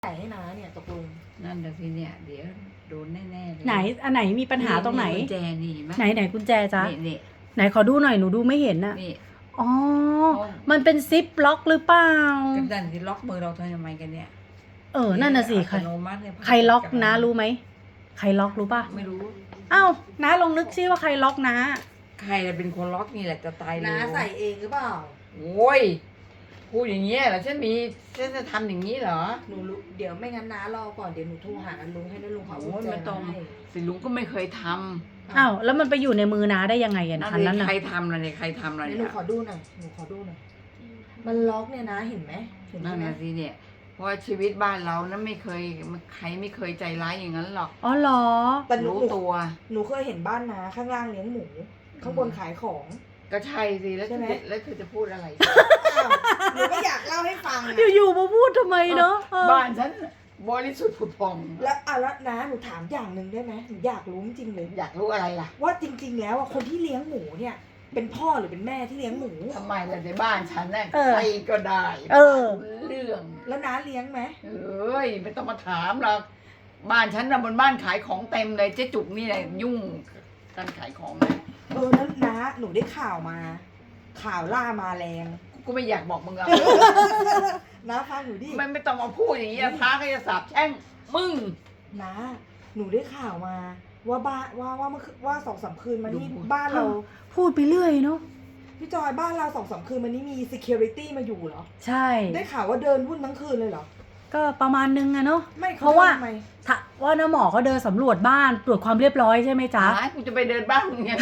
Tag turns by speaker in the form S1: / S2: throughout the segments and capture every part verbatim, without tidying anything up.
S1: ใส่ให้น้าเนี่ยตกลง
S2: นั่นแหละสิเนี่ยเดี๋ยวโดนแน่ๆเลย
S3: ไหนอันไหนมีปัญหาตรงไหน
S2: กุญแจนี่ไหม
S3: ไหนไหนกุญแจจ๊ะ
S2: นี่นี่
S3: ไหนขอดูหน่อยหนูดูไม่เห็นน่ะ
S2: นี่
S3: อ๋อมันเป็นซิปล็อกหรือเปล่า
S2: กันดันที่ล็อกมือเราทำไมกันเนี่ย
S3: เออนั่นน่ะสิใครใครล็อกนะรู้ไหมใครล็อกรู้ป่ะ
S2: ไม่รู้
S3: อ้าวน้าลองนึกซิว่าใครล็อกนะ
S2: ใครเป็นคนล็อกนี่แหละจะตายเลย
S1: น้าใส่เองหรือเปล่า
S2: โอ้ยพูดอย่างเงี้ยเหรอฉันมีฉันจะทำอย่างนี้เหรอ
S1: หนูรู้เดี๋ยวไม่งั้นน้ารอก่อนเดี๋ยวหนูโทรหาลุงให้นะลุงขอกุญแจ
S2: ไม่ต้องสิลุงก็ไม่เคยท
S3: ำอ้าวแล้วมันไปอยู่ในมือน้าได้ยังไงกันคันนั้น
S2: น่ะใครทำล่ะเนี่ยใครทำล่ะ
S1: เนี่ยหนูขอดูหน่อยหนูขอดูหน่อยมันล็อกเนี่ยนะเห็นไหมเห็นไหม
S2: นั่นน่ะสิเนี่ยเพราะชีวิตบ้านเรานั้นไม่เคยใครไม่เคยใจร้ายอย่างนั้นหรอก
S3: อ๋อเหรอ
S1: แต่รู้
S2: ตัว
S1: หนูเคยเห็นบ้านนาข้างล่างเลี้ยงหมูข้างบนขายของ
S2: ก็ใช่สิแล้วแล้วเธอจะพูดอะไร
S1: หนูก็อยากเล่าให้ฟัง
S3: อยู่ๆมาพูดทำไมเนาะ
S2: บ้านฉันบริสุทธิ์ผุดผ่อง
S1: แล้วอ่ะแล้วนะหนูถามอย่างหนึ่งได้ไหมหนูอยากรู้จริงเลย
S2: อยากรู้อะไรล่ะ
S1: ว่าจริง ๆ แล้วคนที่เลี้ยงหมูเนี่ยเป็นพ่อหรือเป็นแม่ที่เลี้ยงหมู
S2: ทำไมล่ะในบ้านฉันน่ะใครก็ได้
S3: เออ
S2: เรื่อง
S1: แล้วน้าเลี้ยงไหม
S2: เอ้ยไม่ต้องมาถามหรอกบ้านฉันน่ะบนบ้านขายของเต็มเลยเจ๊จุกนี่แหละยุ่งการขายของนะ
S1: เออนั้นน้าหนูได้ข่าวมาข่าวล่ามาแรง
S2: กูไม่อยากบอกมึงเอา
S1: น้าฟังหนูดิ
S2: ไม่ไม่ต้องมาพูดอย่างนี้พระก็จะสาบแช่งมึง
S1: น้าหนูได้ข่าวมาว่าบ้านว่าว่าเมื่อว่าสองสามคืนมานี่บ้านเรา
S3: พูดไปเรื่อยเนาะ
S1: พี่จอยบ้านเราสองสามคืนมานี้มี security มาอยู่เหรอ
S3: ใช่
S1: ได้ข่าวว่าเดินวุ่นทั้งคืนเลยเหรอ
S3: ก็ประมาณนึงอะเนาะ
S1: เพราะว่า
S3: ถ้าว่าน้าหมอเขาเดินสำรวจบ้านตรวจความเรียบร้อยใช่ไหมจ๊ะ
S2: กูจะไปเดินบ้านไง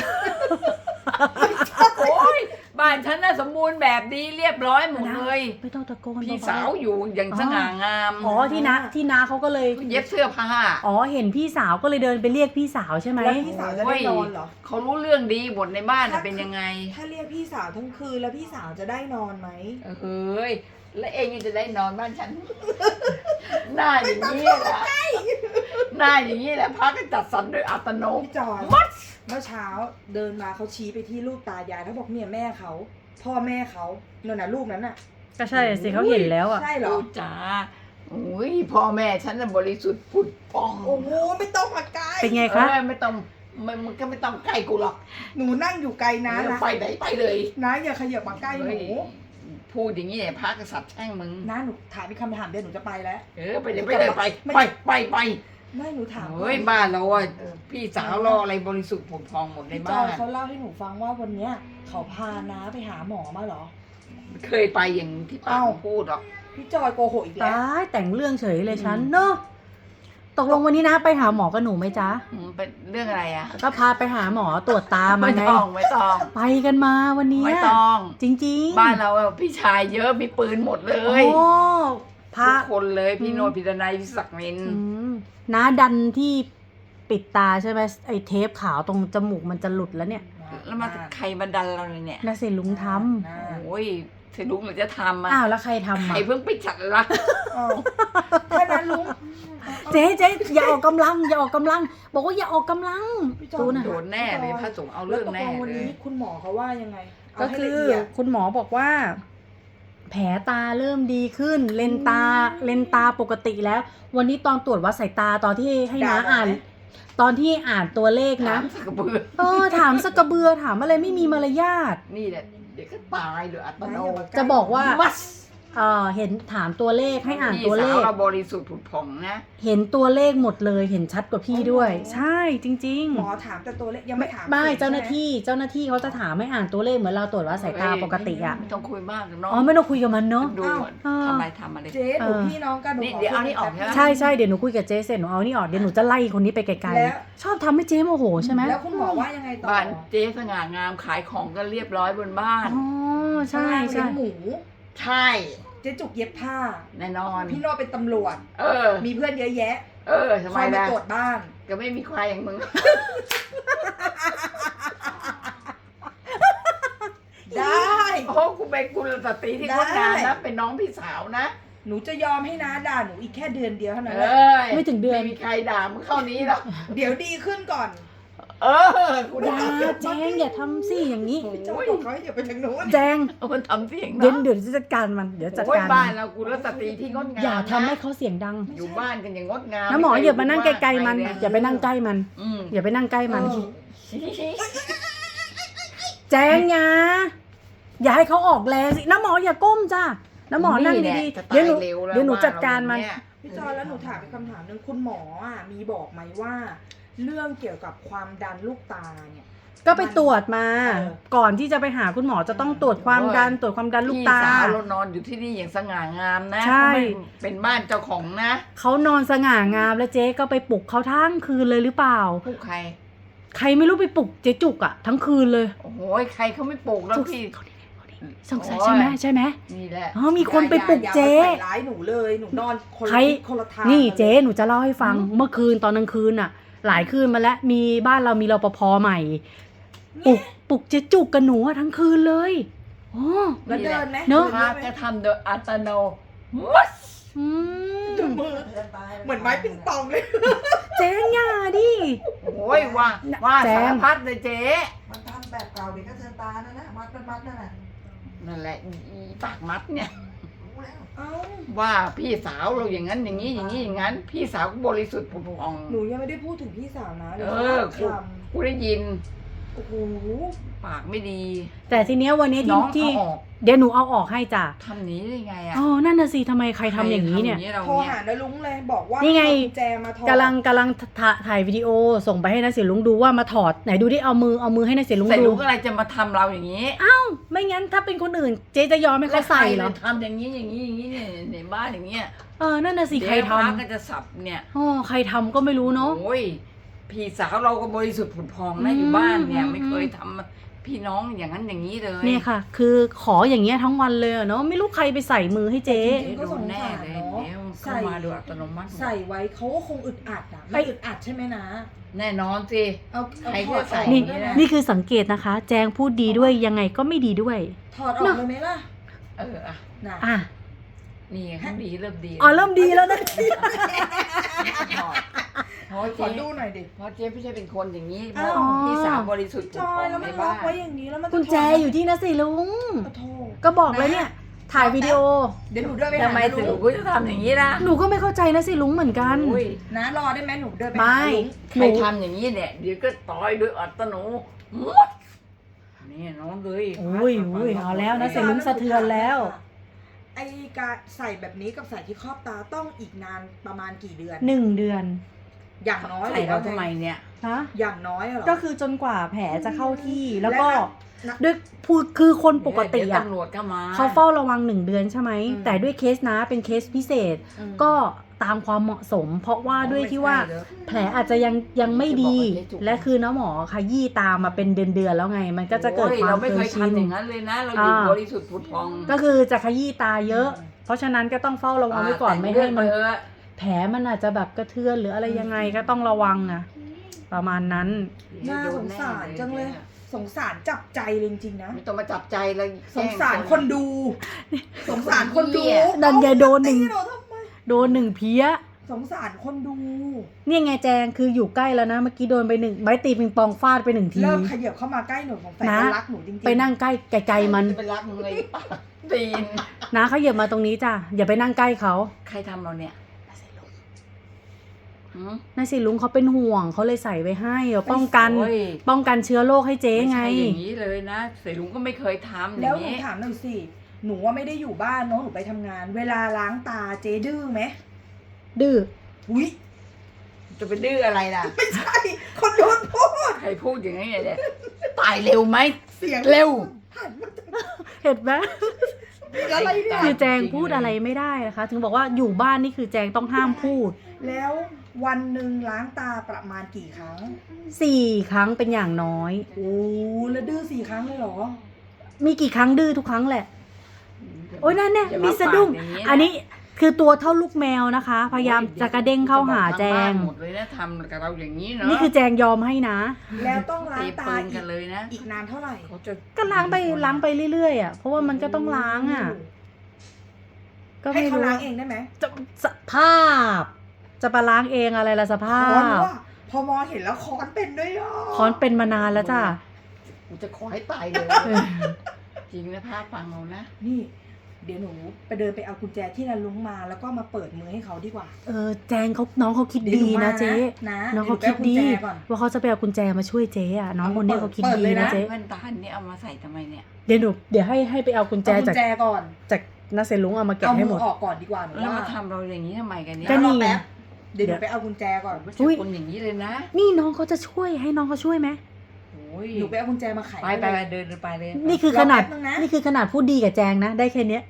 S2: โอ้ยบ้านฉันน่ะสมบูรณ์แบบดีเรียบร้อยหมดเลย
S3: ไม่ต้องตะโกน
S2: พี่สาวอยู่อย่างสง่างาม
S3: อ๋อที่น้าที่น้าเขาก็เลย
S2: เย็บเสื้อผ้า
S3: อ๋อเห็นพี่สาวก็เลยเดินไปเรียกพี่สาวใช่ไหม
S1: แล้วพี่สาวจะได้นอนเหรอ
S2: เขารู้เรื่องดีหมดในบ้านเป็นยังไง
S1: ถ้าเรียกพี่สาวทั้งคืนแล้วพี่สาวจะได้นอนไหม
S2: เฮ้ยแล้วเองจะได้นอนบ้านฉันหน้าอย่างนี้แหละหน้าอย่างนี้แหละพักก็จัดสรรโดยอัตโนมัติ
S1: พี่จอยเมื่อเช้าเดินมาเขาชี้ไปที่รูปตายายเขาบอกเนี่ยแม่เขาพ่อแม่เขานั่นน่ะรูปนั้นน่ะ
S3: ก็ใช่สิเขาเห็นแล้วอ่ะ
S1: ใช่เหรอ
S2: จ้าโอ้ยพ่อแม่ฉันน่ะบริสุทธิ์ผุดผ่อง
S1: โอ้โหไม่ต้องมาใกล้
S3: เป็นไงคะ
S2: ไม่ต้องมันก็ไม่ต้องใกล้กูหรอก
S1: หนูนั่งอยู่ไกลนะ
S2: นะไปไหนไปเลย
S1: นะอย่าขยับมาใกล้หนู
S2: พูดอย่างนี้เนี่ยพระกษัตริย์แช่งมึง
S1: นะหนูถามอีกคำถามเดียวหนูจะไปแล้ว
S2: เออไปเลยไปเลยไปไปไปไป
S1: ไม่หนูถาม
S2: เฮ้ยบ้านเราอ่ะพี่สาวรออะไรบริสุทธิ์ผุดผ่องหมดในบ้าน
S1: เขาเล่าให้หนูฟังว่าวันเนี้ยเขาพาน้าไปหาหมอมาเหรอ
S2: เคยไปอย่างที่ป้าพูดหรอก
S1: พี่จอยโกหกอีกแล้ว
S3: ตายแต่งเรื่องเฉยเลยฉันเนาะตกลงวันนี้นะไปหาหมอกับหนูไหมจ๊ะ
S2: เป็นเรื่องอะไรอ่ะ
S3: ก็พาไปหาหมอตรวจตามาไง
S2: ไม่ต้องไม่ต้อง
S3: ไปกันมาวันนี้
S2: ไม่ต้อง
S3: จริง
S2: ๆบ้านเราพี่ชายเยอะมีปืนหมดเลย
S3: โอ้
S2: พาคนเลยพี่โนพี่ดนัยพี่ศักดิ์นิน
S3: น้าดันที่ปิดตาใช่ไหมไอ้เทปขาวตรงจมูกมันจะหลุดแล้วเนี่ย
S2: แล้วมาใครมาดันเราเลยเนี่ย
S3: น่าเสียลุงท
S2: ำโอ้ยเสียลุงหรือจะทำอ่ะ
S3: อ้าวแล้วใครทำ
S2: ใครเพิ่งไปจัดละ
S1: แค่นั้นลุง
S3: เจ๊เจ๊อย่าออกกำลังอย่าออกกำลังบอกว่าอย่าออกกำลัง
S2: ดูนะโดนแน่เลยพระสงฆ์เอาเรื่องแน่
S1: เลยวันนี้คุณหมอเขาว่ายังไง
S3: ก็คือคุณหมอบอกว่าแผลตาเริ่มดีขึ้นเลนตาเลนตาปกติแล้ววันนี้ตอนตรวจวัดสายตาตอนที่ให้น้าอ่านตอนที่อ่านตัวเลขนะเออถามสักกระเบือถามอะไรไม่มีมารยาท
S2: นี่แหละเดี๋ยวก็ตายโดยอัตโนมัติ
S3: จะบอกว่าเออเห็นถามตัวเลขให้อ่านตัวเลข
S2: เราบริสุทธิ์ผุดผ่องนะ
S3: เห็นตัวเลขหมดเลยเห็นชัดกว่าพี่ด้วยใช่จริง
S1: ๆหมอถามแต่ตัวเลขยังไม่ถาม
S3: ไม่เจ้าหน้าที่เจ้าหน้าที่เขาจะถามให้อ่านตัวเลขเหมือนเราตรวจวัดสายตาปกติอ่ะ
S2: ไม่ต้องคุยมากเนาะ
S3: อ๋อไม่ต้องคุยกับมันเนาะ
S2: ดูทำไมทำอะไร
S1: เจ๊หนูพี่น้องกันหนู
S2: เดี๋ยวเอานี่ออก
S3: ใช่ใช่เดี๋ยวหนูคุยกับเจ๊เสร็จหนูเอานี่ออกเดี๋ยวหนูจะไล่คนนี้ไปไกลๆชอบทำให้เจ๊โมโหใช่ไหม
S1: แล้วคุณหมอว่ายังไงต่อ
S2: บ้านเจ๊สง่างามขายของกันเรียบร้อยบนบ้าน
S3: อ๋อใช่ใช่
S1: หมู
S2: ใช่
S1: เจ๊จุกเย็บผ้า
S2: แน่นอน
S1: พี่โนเป็นตำรวจ
S2: เออ
S1: มีเพื่อนเยอะแยะ
S2: เออทำไมล่ะ
S1: ตรวจบ้าน
S2: ก็ไม่มีใครอย่างมึง
S1: ได้
S2: โอ้กูเป็นกุลสตรีที่งดงามนะเป็นน้องพี่สาวนะ
S1: หนูจะยอมให้น้าด่าหนูอีกแค่เดือนเดียวเท่านั้นแหละ
S3: ไม่ถึงเดือน
S2: ไม่มีใครด่ามึงเข้านี้หรอก
S1: เดี๋ยวดีขึ้นก่อน
S2: เออกู
S3: อย่า
S2: ได้
S3: แจงอย่าทำสิอย่างนี้
S1: พี่จอยบอกเขาให้อย่าไปทางโน้น
S3: แจง
S2: เอามันทำเสียง
S3: เดี๋ยว
S2: นะ
S3: เดี๋ยวจะจัดการมันเดี๋ยวจัด
S2: โอ้ย
S3: การ
S2: บ้า
S3: มัน น
S2: เรากูรัตตรีที่งดงาม
S3: อย่าทำให้
S2: นะ
S3: เขาเสียงดัง
S2: อยู่บ้านกันอย่างงดงาม
S3: น้าหมออย่ามานั่งใกล้ๆมัน
S2: ไเค
S3: อย่าไปนั่งใกล้มัน
S2: อืม
S3: อย่าไปนั่งใกล้มัน
S1: เออ
S3: แจงอย่าอย่าให้เขาออกแรงสิน้าหมออย่าก้มจ้าน้าหมอนั่ง
S2: แหละ
S3: ดี
S2: จะ
S3: ๆเดี๋ยวหนู
S2: ตาร็แล้
S3: เดี๋ยวหนูจัดการมัน
S2: ว่เย
S1: พี่จอยแล้วหนูถามอีกคำถามหนึ่งคุณหมออ่ะมีบอกไหมว่า เรื่องเกี่ยวกับความดันลูกตาเนี่ย
S3: ก็ไปตรวจมา
S1: เออ
S3: ก่อนที่จะไปหาคุณหมอจะต้องตรวจความดันตรวจความดันลูกตา
S2: พี่สาวเรานอนอยู่ที่นี่อย่างสง่างามนะ
S3: ใช่
S2: เขาไม่เป็นบ้านเจ้าของนะ
S3: เขานอนสง่างามแล้วเจ๊ก็ไปปลุกเขาทั้งคืนเลยหรือเปล่า
S2: ผู้ใคร
S3: ใครไม่รู้ไปปลุกเจ๊จุกอะทั้งคืนเลย
S2: โอ้โหใครเขาไม่ปลูกแล้ว
S3: จุก
S2: พี่
S3: สงสัยใช่ไหมใช่ไหม
S2: นี่แหละ
S3: อ๋อมีคนไปปลุก
S1: อย่า
S3: เจ๊
S1: อย่ามาใส่ร้ายหนูเลยหนูนอนคน
S3: ใคร
S1: ละทิศคนละทาง
S3: นี่
S1: กัลย
S3: เจ๊หนูจะเล่าให้ฟังเมื่อคืนตอนกลางคืนอะหลายคืนมาแล้วมีบ้านเรามีรปภใหม่ปลุกปลุกเจ๊จุกกับหนูอะทั้งคืนเลยอ๋อ
S1: แล้วเดินไหม
S3: เนอะ
S1: ดิ
S2: พระ
S1: ไหม
S2: ก็ทำโดยอัตโนมัติ
S3: อืม
S1: จุ่มมือเหมือนไม้ปิงปองเลย
S3: เจ๊อย่าดิ
S2: โอ้ยว่าว่า
S3: แจ
S2: สาง รพัดเลยเจ๊
S4: มันทำแบบเก่าเด็กก็เทินตานั่นนะมัดเป็นมัดนั่นแหละ
S2: นั่นแหละอีปากมัดเนี่ย
S4: รู้แล้ว
S1: เอ้า
S2: ว่าพี่สาวเราอย่างนั้นอย่างนี้อย่างนี้อย่างนั้น พี่สาวก็บริสุทธิ์ผุดผ่อง
S1: หนูยังไม่ได้พูดถึงพี่สาวนะ
S2: เอ
S1: ดี๋ยว
S2: อ
S1: ค
S2: กูกูได้ยิน
S1: ำโอ้โห
S2: ปากไม่ดี
S3: แต่ทีเนี้ยวันนี้
S2: น้
S3: ที่
S2: อง
S3: ที่
S2: เอาออก
S3: เดี๋ยวหนูเอาออกให้จ้ะ
S2: ทำหนี้ได้ไงอ่ะ
S3: อ๋อนั่นน่ะสิทำไมใครทำอย่างนี้เนี่ย
S2: ใครทำเรา
S1: โทร
S2: เนี่ย
S1: หานาลุงเลยบอกว่า
S3: นี่ไง
S1: เอากุญแจมาถอด
S3: กำลังกำลังถ่าถ่ายวิดีโอส่งไปให้นักเสียงลุงดูว่ามาถอดไหนดูดิเอามือเอามือให้นักเสียงลุง
S2: ใส่
S3: ดู
S2: ลูกอะไรจะมาทำเราอย่างนี้
S3: ไม่งั้นถ้าเป็นคนอื่นเจ๊จะยอมให้เขาใส่เหรอ
S2: แล้วใคทำอย่างนี้อย่างนี้อย่างนี้เนี่ยในบ้านอย่างเงี้ย
S3: เออนั่นน่ะสิใคร
S2: เดี๋ยวพะ
S3: ทำ
S2: ก็จะสับเนี่ย
S3: อ๋อใครทำก็ไม่รู้เนาะ
S2: โอ้ยพี่สาวเราก็บริสุทธิ์ผุดพองนะ
S3: อืม
S2: อยู่บ้านเนี่ย
S3: อืม
S2: ไม่เคยทำพี่น้องอย่างนั้นอย่างนี้เลย
S3: เนี่ยค่ะ คือขออย่างเงี้ยทั้งวันเลยอะเนาะไม่รู้ใครไปใส่มือให้เจ๊
S2: เจ๊โดนแน่เลยเดี๋ยวเข้ามาโดยอัตโนมัติ
S1: ใส่ไว้เขาก็คงอึดอัดอ่ะ
S3: ไป
S1: ไม่อึดอัดใช่ไหมนะ
S2: แน่นอนสิ
S1: เอาเอา
S2: ใคร
S1: ถ
S2: ก็
S1: อด
S2: ใส่
S1: ออก
S3: นี่
S1: ได้ไหม
S3: นี่คือสังเกตนะคะ แจงพูดดีด้วยยังไงก็ไม่ดีด้วย
S1: ถอดออกเลยไหมล่ะ
S2: เอออ่ะ
S1: น่ะ
S3: อ่ะ
S2: นี่เขาดีเริ่มดี
S3: อ๋อเริ่มดีแล้วนะ
S2: เพราะ
S1: ขอ
S2: เจ๊
S1: ดูหน่อยดิ
S2: เพราะเจ๊ไม่ใช่เป็นคนอย่างนี้เพ
S1: อ้าว
S2: ราะพี่สาวบริสุทธิ์ผุ
S1: จ
S2: ด
S1: อ
S2: พอย ง
S1: แล้ว
S2: ใน
S1: มันล็อ
S2: บ้าก น
S1: ไว้อย่างนี้แล้วมัน
S3: กุญแจอยู่ที่นักสิลุง
S1: โอ้โธ่
S3: ก็บอกเลยเนี่ย ถ่ายวิดีโอ
S1: เดี๋ยวหนูเดินไปหา
S2: ทำไม
S1: นา
S2: สิ
S1: ลุ
S2: ลู
S1: ง
S2: กก็จะทำอย่างนี้ล่ะ
S3: หนูก็ไม่เข้าใจนะสิลุงเหมือนกัน
S2: โอ้ย
S1: นะรอได้ไหมหนูเดินไป
S3: ไม่
S1: หาลุง
S2: ใครทำอย่างนี้เนี่ยเดี๋ยวก็ต่อยด้วยอัตโนมัตินี่น้องเลย
S3: โอ้ยโอ้ยเอาแล้วนะเสียงลุงสะเทือนแล้ว
S1: ไอ้การใส่แบบนี้กับใส่ที่ครอบตาต้องอีกนานประมาณกี่เดือน
S3: หนึ่งเดือน
S1: อย่างน้อย
S2: ใส่เราทำไมเนี่ย
S3: นะ
S1: อย่างน้อยเหรอ
S3: ก็คือจนกว่าแผลจะเข้าที่แล้วก็
S1: และ
S3: ด้วยพูดคือคนปกติ
S2: เดี๋ยว
S3: อ่ะ
S2: ตำรวจก็มา
S3: เขาเฝ้าระวังหนึ่งเดือนใช่ไหม
S1: อืม
S3: แต่ด้วยเคสนะเป็นเคสพิเศษ
S1: อืม
S3: ก็ตามความเหมาะสม เพราะว่าด้วยที่ว่า
S1: ไม่ใช่เหรอ
S3: แผลอาจจะยังยังไม่ดี และคือน้าหมอขยี้ตามมาเป็นเดือนเดือนๆแล้วไง มันก็จะเกิด
S2: โอ้ย
S3: ความ
S2: เราไม่
S3: เค
S2: เค
S3: ย
S2: ย
S3: ชิน
S2: ทำอย่างนั้นเลยนะ เราอยู่
S3: อ่า
S2: บริสุทธิ์ผุดพอง
S3: ก็คือจะขยี้ตาเยอะ เพราะฉะนั้นก็ต้องเฝ้าระวังไว้ก่อนไม่ให้มัน
S2: แต่งเรื่องเถอะ
S3: แผลมันอาจจะแบบกระเทือนหรืออะไรยังไงก็ต้องระวังอะประมาณนั้น
S1: น่าสงสารจังเลย สงสารจับใจเลยจริงๆนะ
S2: ไม่ต้องมาจับใจเลย
S1: สงสารคนดู สงสารคนดู
S3: ดันยายโดนหนึ่ง
S1: ตีเราทำไม
S3: โดนหนึ่งเพี้ย
S1: สงสารคนดู
S3: เนี่ยไงแจงคืออยู่ใกล้แล้วนะ เมื่อกี้โดนไปหนึ่งไม้ตีปิงปองฟาดไปหนึ่งที
S1: เริ่มขยับเข้ามาใกล้หนูของแฟน
S3: นะ
S1: รักหนูจริงๆ
S3: ไปนั่งใกล้ไกลๆมัน
S2: จะไปรักมึงเลยปะตีน
S3: นะเขาเหยียบมาตรงนี้จ้ะอย่าไปนั่งใกล้เขา
S2: ใครทำเราเนี่ยหืม
S3: นายสิลุงเขาเป็นห่วงเขาเลยใส่ไว้ให้เอาป้องกัน
S2: โอ้ย
S3: ป้องกันเชื้อโรคให้เจ๊
S2: ไม่
S3: ไง
S2: ใช่อย่างนี้เลยนะเสยลุงก็ไม่เคยทำอ
S1: แล้ว
S2: ย่าง
S1: หนู
S2: นี้
S1: ถามหน่อยสิ หนูว่าไม่ได้อยู่บ้านเนาะหนูไปทำงาน เวลาล้างตาเจ๊ดื้อไหม
S3: ดื้อ
S1: อุ้ย
S2: จะไปดื้ออะไรล่ะ
S1: ไม่ใช่ คนโดนพูด
S2: ใครพูดอย่างนี้เนี่ยตายเร็วไหม
S1: เสียง
S2: เร็ว
S1: หันมาจาก
S3: เห็นไหม
S1: อะไรเนี่ย
S3: คือแจงพูดอะไรไม่ได้นะคะ ถึงบอกว่าอยู่บ้านนี่คือแจงต้องห้ามพูด
S1: แล้ววันหนึ่งล้างตาประมาณกี่ครั้ง
S3: สี่ครั้งเป็นอย่างน้อย
S1: โอ้แล้วดื้อสี่ครั้งเลยเหรอ
S3: มีกี่ครั้งดื้อทุกครั้งแหละ โอ้ยนั่นเนี่ย
S2: อย่า
S3: มี
S2: มา
S3: สะดุ้ง
S2: ปากอย่างนี้นะ
S3: อันนี้คือตัวเท่าลูกแมวนะคะ พยายามจะกระเด้งเข้าหาแจง
S2: หมดเลยนะทำกับเราอย่างนี้เนาะ
S3: นี่คือแจงยอมให้นะ
S1: แล้วต้องล้า
S2: ตี
S1: งตา
S2: ปืน
S1: อี
S2: กัน
S1: ก
S2: เลยนะ
S1: อีกนานเท่าไหร่
S2: เขาจะ
S3: ก็ล้างไปล้างไปเรื่อยๆอ่ะ เพราะว่ามันก็ต้องล้างอ่ะ ก็
S1: ให้
S3: ไม่
S1: เขา
S3: รู้
S1: ล้างเองได้ไหม
S3: จะสภาพ จะไปล้างเองอะไรล่ะสภา
S1: อ๋อหนู
S3: พ
S1: ว่าพอมองเห็นแล้วค้อนเป็นด้วยอ่ะ
S3: ค้อนเป็นมานานแล้วจ้ะ
S2: กูจะขอให้ตายเลย
S3: เออ
S2: จริงนะพาฟังเรานะ
S1: นี่ เดี๋ยวหนูไปเดินไปเอากุญแจที่นันลุงมาแล้วก็มาเปิดมือให้เขาดีกว่า
S3: เออแจงเขาน้องเขาคิด
S1: เดี๋ยวห
S3: ดี
S1: นูมา
S3: นะเจ๊
S1: นะ
S3: น้อง
S1: ดี๋
S3: เขา
S1: ยวหนู
S3: คิด
S1: ไป
S3: ดี
S1: เอากุญแจก่อน
S3: ว่าเขาจะไปเอากุญแจมาช่วยเจ๊อะน้องคนเนี้ยเขาคิด
S1: เปิด
S3: ดี
S1: เลย
S3: นะ
S1: นะ
S3: เจ๊
S2: แว่นตานี่เอามาใส่ทำไมเนี่ย
S3: เดี๋ยวหนูเดี๋ยวให้ให้ไปเอากุญแจ
S1: เอากุ
S3: จาก
S1: ญแจก่อน
S3: จากนาเซลุงเอามาแกะ
S1: เอา
S3: ให้
S1: มื
S3: หม
S1: อ
S3: ด
S1: ออกก่อนดีกว่าหนู
S2: แล้ว
S1: ว่า
S2: มาทำเราอย่างนี้ทำไมกันเนี่ย
S3: ก็นี่
S1: รอแป๊บเดี๋ยวหนูไปเอากุญแจก่อน
S2: ไม่
S3: อุ๊
S2: ใช่
S3: ย
S2: คนอย่างนี้เลยนะ
S3: นี่น้องเขาจะช่วยให้น้องเขาช่วยไหม
S2: โอ้ย
S1: หนูไปเอากุญแจมาไข
S2: ไปไปไปเดินไปเลย
S3: นี่คือขนาด
S1: รอแป๊บนึงนะ
S3: นี่คือขนาดพูดดีกับแจงนะ ได้แค่เนี้ย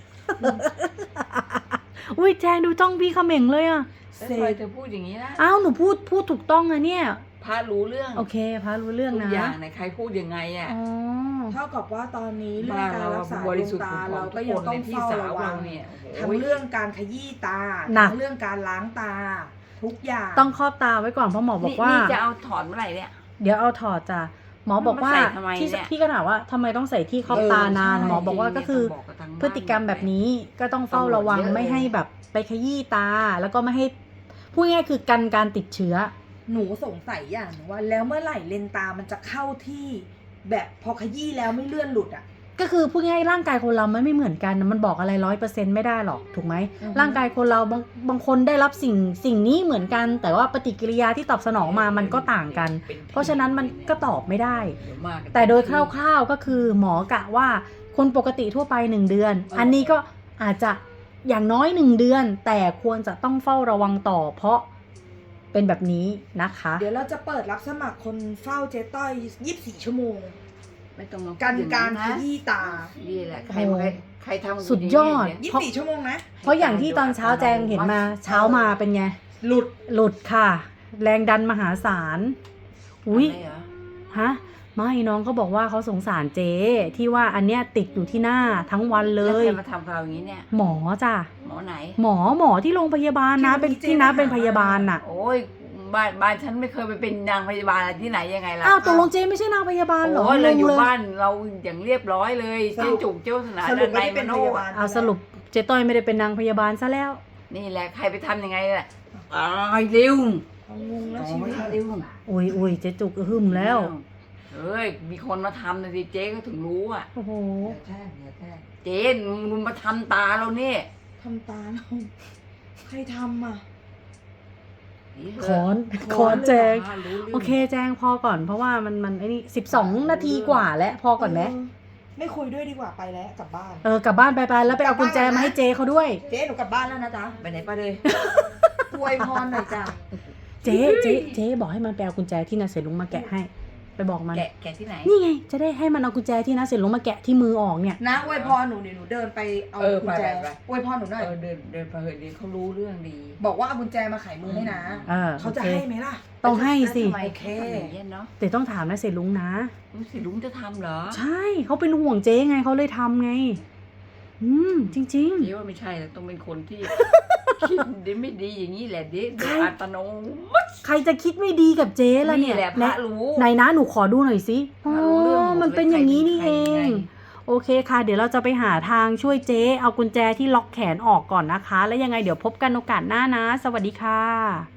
S3: อุ้ยแจงดูจ้องพี่เขม่งเลยอ่ะ
S2: แล้วทำไมเธอพูดอย่างนี้นะ
S3: อ้าวหนูพูดพูดถูกต้องอะเนี่ย
S2: พารู้เรื่อง
S3: โอเคพารู้เรื่อง
S2: ทุก
S3: นะ
S2: อย่างไหนใครพูดยังไงอ่ะ
S3: อ๋อ
S1: เท่ากับว่าตอนนี้เรื่อ
S2: บ้าง น
S1: การ
S2: เรา
S1: รักษา
S2: บ
S1: ด
S2: ริ
S1: วง
S2: สุทธิ์
S1: ตา
S2: ของ
S1: เรา
S2: ทุ
S1: ก็
S2: ก
S1: ยัง
S2: คน
S1: ต้
S2: ใน
S1: อง
S2: พี่
S1: เฝ้า
S2: สาว
S1: ระวั
S2: เรา
S1: ง
S2: เนี่ย
S1: ทั้งเรื่องการขยี้ตา
S3: หนัก
S1: ทั้งเรื่องการล้างตา ทุกอย่าง
S3: ต้องครอบตาไว้ก่อนเพราะหมอบอกว่า
S2: นี่จะเอาถอนเมื่อไหร่เนี่ย
S3: เดี๋ยวเอาถอดจ้ะหมอบอกว่า
S2: มันมาใส่ทำไม
S3: ที่
S2: เนี่ย
S3: พี่ก็ถามว่าทำไมต้องใส่ที่ครอบ
S1: เออ
S3: ตานาน
S1: ใช่
S3: หมอบอกว่าก็คือ
S2: บกับทางบ้าน
S3: พฤติกรรมแบบนี้ก็ต้องเฝ้าระวัง
S2: ตำรวจเยอะ
S3: ไม่ให้แบบไปขยี้ตา แล้วก็ไม่ให้พูดง่ายๆคือกันการติดเชื้อ
S1: หนูสงสัยอย่างหนึงว่าแล้วเมื่อไหร่เลนตามันจะเข้าที่ แบบพอขยี้แล้วไม่เลื่อนหลุดอ่ะ
S3: ก็คือพูดง่ายๆร่างกายคนเรามันไม่เหมือนกันนะมันบอกอะไรร้อยเปอร์เซ็นต์ไม่ได้หรอกถูกไหม
S1: อือฮึ
S3: ร่างกายคนเราบางบางคนได้รับสิ่งสิ่งนี้เหมือนกัน แต่ว่าปฏิกิริยาที่ตอบสนองมามันก็ต่างกัน
S2: ป็
S3: เพราะฉะนั้นมันก็ตอบไม่ได้
S2: เยวมากัน
S3: แต่โดยคร่าวๆก็คือหมอกะว่าคนปกติทั่วไปหนึ่งเดือน อันนี้ก็อาจจะอย่างน้อยหนึ่งเดือน แต่ควรจะต้องเฝ้าระวังต่อ เพราะเป็นแบบนี้นะคะ
S1: เดี๋ยวเราจะเปิดรับสมัครคนเฝ้าเจ๊ต้อยยี่สิบสี่ชั่วโมง
S2: ไม่ต้องมาพูด
S1: กัน
S2: อย่ง
S1: การข
S2: นะ
S1: ยี้ตา
S2: นี่แหละใครมาใครใครทำ
S3: สุดยอด
S2: างนี้
S1: ยี่สิบสี่ชั่วโมงนะ
S3: เพราะอย่างที่ตอนเช้าแจงเห็นมาเช้ามาเป็นไง
S1: หลุด
S3: หลุดค่ะ แรงดันมหาศาล อุ้ย
S2: อะไรเหรอ
S3: ฮะไม่น้องเขาบอกว่าเขาสงสารเจ๊ที่ว่าอันเนี้ยติดอยู่ที่หน้าทั้งวันเล
S2: แล้ว
S3: ย
S2: ใครมาทำกับเราอย่างนี้เนี่ย
S3: หมอจ้ะ
S2: หมอไหน
S3: หมอหมอที่โรงพยาบาลนะ เป็นที่น้าเป็นพยาบาลน่ะ
S2: โอ้ยบ้านบ้านฉันไม่เคยไปเป็นนางพยาบาลอะไรที่ไหนยังไงล่ะ
S3: อ้าวตกลงเจ๊ไม่ใช่นางพยาบาลเหรอ
S2: โอ้ยเราอยู่
S3: งงล
S2: บ้านเราอย่างเรียบร้อยเลย
S1: ส
S2: เจ๊
S1: รุป
S2: จุกเจ้าสนา
S1: สรุป
S2: ใน
S1: ไม่ได้
S2: ม
S1: เป็น
S2: โน
S1: พยาบาล
S3: เอาสรุปเจ๊ต้อยไม่ได้เป็นนางพยาบาลซะแล้ว
S2: นี่แหละใครไปทำยังไงล่ะตายเร็ว
S1: เอางงแล้วชีวิต
S2: เร็ว
S3: อุ้ยอุ้ยเจ๊จุกหึมแล้ว
S2: เอ้ยมีคนมาทำนะสิเจ๊ก็ถึงรู้อ่ะ
S3: โอ้โห
S4: อย่าแช่งอย่าแช่ง
S2: เจ๊มึงมาทำตาเราเนี่ย
S1: ทำตาเราใครทำอ่ะ
S3: คอนคอนแจง โอเคแจงพอก่อนเพราะว่ามันมันไอ้นี่สิบสองนาทีกว่าแล้วพอก่อนไหม
S1: เไม่คุยด้วยดีกว่าไปแล้วกลับบ้าน
S3: เออกลับบ้านไปไปแล้วไปเอากุญแจมาให้เจ๊เขาด้วย
S1: เจ๊หนูกลับบ้านแล้วนะจ๊ะ
S2: ไปไหนไปเลย
S1: อวยพรหน่อยจ้ะ
S3: เจ๊เจ๊เจ๊บอกให้มันไปเอากุญแจที่นาเสลุงมาแกะให้ ไปบอกมัน
S2: แกะแกะที่ไหน
S3: นี่ไงจะได้ให้มันเอากุญแจที่นาเสลุงมาแกะที่มือออกเนี่ย
S1: นะอวยพรหนูเดี๋ยวหนูเดินไปเอา
S2: เออ
S1: กุญแจ
S2: ไปไปไป
S1: อวยพรหนูหน่อย
S2: เออเดินเดินไปเถอะดีเขารู้เรื่องดี
S1: บอกว่าเอากุญแจมาไขมือให้นะ
S3: เออ
S1: เขาจะ
S3: โอเค
S1: ให้ไหมล่ะ
S3: ต้องให้สิ
S2: แล้วทำไม
S1: โอเค
S2: ทำอย่างเงี้ยเนาะ
S3: แต่ต้องถามนาเสลุงนะ
S2: รู้สิลุงจะทำเหรอ
S3: ใช่เขาเป็นห่วงเจ๊ไงเขาเลยทำไง อืมจริง
S2: เจ๊ว่าไม่ใช่แล้วต้องเป็นคนที่ คิดดีไม่ดีอย่างนี้แหละเด็ก
S3: ใคร
S2: อัตโนมัติ
S3: ๆ ใครจะคิดไม่ดีกับเจ๊ล่ะเนี่ย
S2: แหละพระรู้
S3: ไหนนะหนูขอดูหน่อยสิ
S2: พระรู้เรื่องหด
S3: มันเป็นอย่างนี้นี่
S2: ใคร
S3: เอ
S2: ป็ใครยั
S3: ง
S2: ไ
S3: โอเคค่ะ เดี๋ยวเราจะไปหาทางช่วยเจ๊เอากุญแจที่ล็อกแขนออกก่อนนะคะ แล้วยังไงเดี๋ยวพบกันโอกาสหน้านะ สวัสดีค่ะ